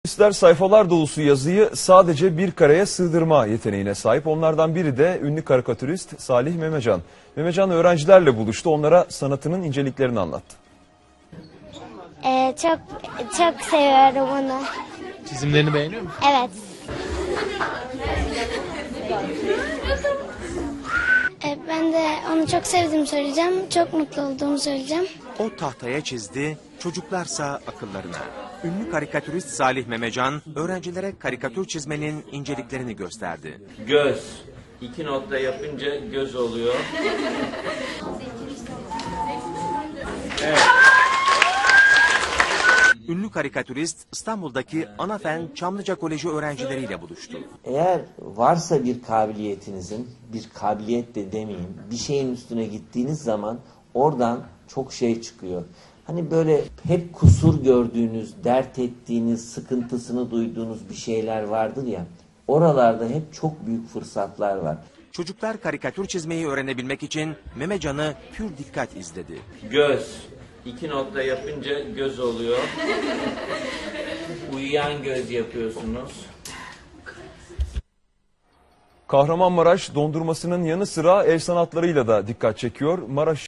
İster sayfalar dolusu yazıyı sadece bir kareye sığdırma yeteneğine sahip. Onlardan biri de ünlü karikatürist Salih Memecan. Memecan öğrencilerle buluştu, onlara sanatının inceliklerini anlattı. Çok seviyorum onu. Çizimlerini beğeniyor musun? Evet. Ben de onu çok sevdiğimi söyleyeceğim. Çok mutlu olduğumu söyleyeceğim. O tahtaya çizdi, çocuklarsa akıllarına. Ünlü karikatürist Salih Memecan, öğrencilere karikatür çizmenin inceliklerini gösterdi. Göz. 2 nokta yapınca göz oluyor. Ünlü karikatürist İstanbul'daki Anafen Çamlıca Koleji öğrencileriyle buluştu. Eğer varsa bir kabiliyetinizin, bir kabiliyet de demeyeyim, bir şeyin üstüne gittiğiniz zaman oradan çok şey çıkıyor. Hani böyle hep kusur gördüğünüz, dert ettiğiniz, sıkıntısını duyduğunuz bir şeyler vardır ya, oralarda hep çok büyük fırsatlar var. Çocuklar karikatür çizmeyi öğrenebilmek için Memecan'ı pür dikkat izledi. Göz. 2 nokta yapınca göz oluyor. Uyuyan göz yapıyorsunuz. Kahramanmaraş dondurmasının yanı sıra el sanatlarıyla da dikkat çekiyor. Maraş